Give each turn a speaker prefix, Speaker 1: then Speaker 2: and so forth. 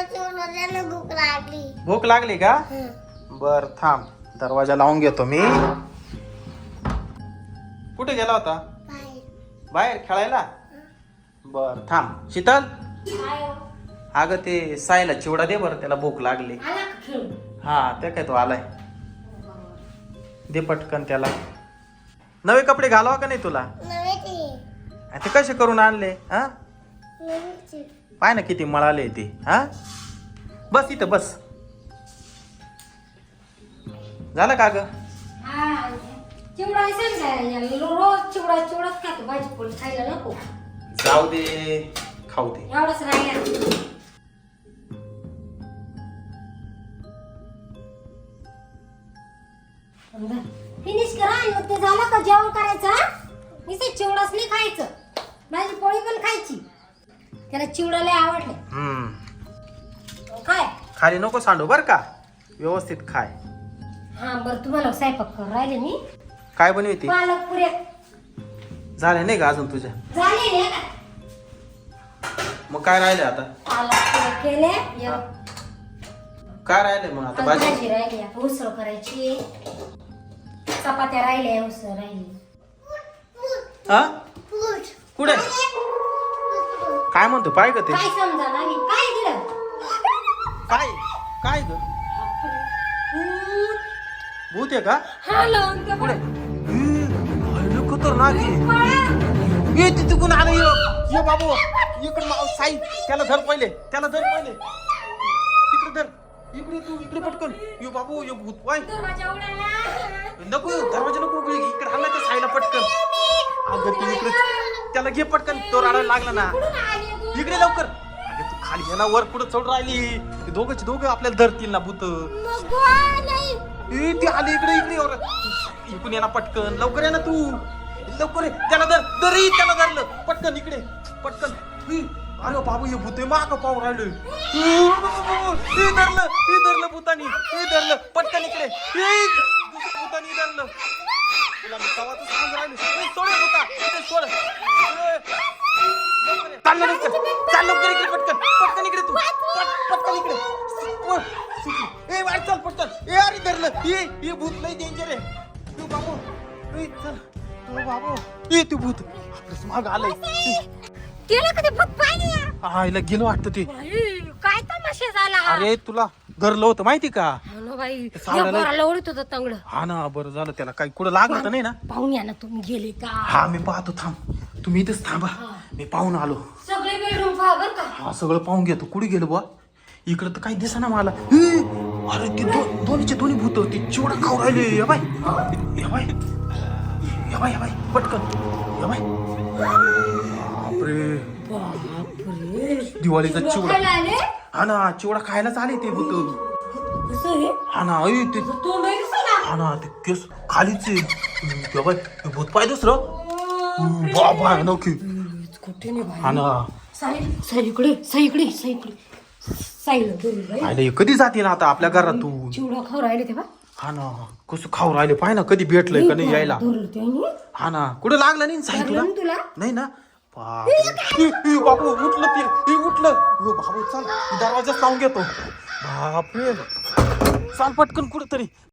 Speaker 1: भूक लागली का? बर थांब, दरवाजा लावून घेतो मी. कुठे गेला होता? बाहेर खेळायला. बर थांब. शीतल, अगं ते सायला चिवडा दे बरं, त्याला भूक लागली. हा ते काय तो आलाय, दे पटकन त्याला. नवे कपडे घालवा का नाही तुला? ते कसे करून आणले? हा पाय ना किती मळाले ते. हा बस इथं बस. झालं का ग?
Speaker 2: चिवडा रोज चिवडा चिवडाच खातो, भाजी पोळी खायला नको.
Speaker 1: जाऊ दे, खाऊ दे.
Speaker 2: एवढंच राहिलं. फिनिश करा आणि मग ते झालं का जेवण करायचं. नुसते चिवडाच नाही खायचं, भाजी पोळी पण खायची. त्याला चिवडा लय आवडले. काय
Speaker 1: खाली नको सांडू बर का, व्यवस्थित खाय.
Speaker 2: हा बरं, तुम्हाला स्वयंपाक करून राहिले मी.
Speaker 1: काय बनवते?
Speaker 2: पालक पुऱ्या
Speaker 1: झाले नाही का अजून तुझ्या?
Speaker 2: झाले नाही का?
Speaker 1: मग काय राहिले आता?
Speaker 2: पालक पुऱ्या केले.
Speaker 1: काय राहिले मग आता?
Speaker 2: भाजी राहिली, आता उसळ करायची. चपात्या राहिल्या, उसळ राहिली.
Speaker 1: हा कुठे? काय म्हणतो पाय ग ते?
Speaker 2: काय समजा नाही काय दिलं.
Speaker 1: काय काय ग? भूत आहे का?
Speaker 2: हा लावून ते
Speaker 1: कुठे? खतरनाक आहे. ये तिथून आलं. ये बाबू इकडे साई, त्याला धर पहिले, त्याला धर पहिले. तिकडे धर, इकडे तू इकडे पटकन. ये बाबू, ये भूत पाय.
Speaker 2: दरवाजा उघडा.
Speaker 1: नको दरवाजा नको उघडू, इकडे आला त्या साईला पटकन. अगं तू इकडे त्याला घे पटकन, तो रडायला लागला ना. इकडे लवकर. अगं तू खाली ये ना, वर पुढे चढ राहिली. ते दोघं आपल्याला धरतील ना भूत. ती आली इकडे इकडून ये ना पटकन, लवकर ये ना तू, लवकर ये. त्याला धर धर, त्याला धरलं पटकन, इकडे पटकन. अरे बाबू हे भूत माग पाहू राहिलोय. धरलं भूतानी, धरलं पटकन इकडे. दुसऱ्या भूतानी धरलं. तुला मी कवाच सांगून राहिलो, सोड भूता, सोड. चाल लवकर इकडे पटकन, पटकन इकडे तू, पटकन इकडे. ए वाट चल पटकन. ए अरे धरलं. ये भूत लई डेंजर आहे. तू बाबू, चल तू बाबू. ये तू भूत आपल्यास माग आलंय.
Speaker 2: गेलं का ते भूत पाहिजे?
Speaker 1: हा हिला गेलो वाटतं ते.
Speaker 2: काय तमाशा झाला.
Speaker 1: अरे तुला धरलं होतं माहिती का?
Speaker 2: बाई
Speaker 1: सावळ्याला-
Speaker 2: ओढत होतं तंगड.
Speaker 1: हा ना, बरं झालं त्याला काही कुठं लागलं तर नाही ना.
Speaker 2: पाहुणे ना तुम्ही गेले का?
Speaker 1: हा मी पाहतो, थांब तुम्ही इथेच थांबा, मी पाहून आलो.
Speaker 2: सगळे बेडरूम पहा बर का.
Speaker 1: हा सगळं पाहून घेतो. कुठे गेलो बुवा? इकडं तर काही दिसेना मला. अरे ते दोन्हीचे दोन्ही भूत ते चिवडा खाऊ राहिले. या बाय पटकन. या बाय बापरे, दिवाळीचा चिवडा. हा ना, चिवडा खायलाच आले ते भूत. हा ना, ते हा ना, ते केस खालीच आहे. बाय भूत पाय दुसरं. बाबा नोकी. हा ना, आले कधी जातील आता आपल्या घरातून?
Speaker 2: चिवडा खाऊ राहिले तेव्हा.
Speaker 1: हा ना, कसं खाऊ राहिले पाय ना, कधी भेटलंय का नाही यायला. हा ना, कुठं लागलं नाही साई तुला? नाही ना. बाबू उठलं ते, उठलं. बाबू चल, दरवाजाच लावून घेतो. बापरे, चाल पटकन कुठं तरी.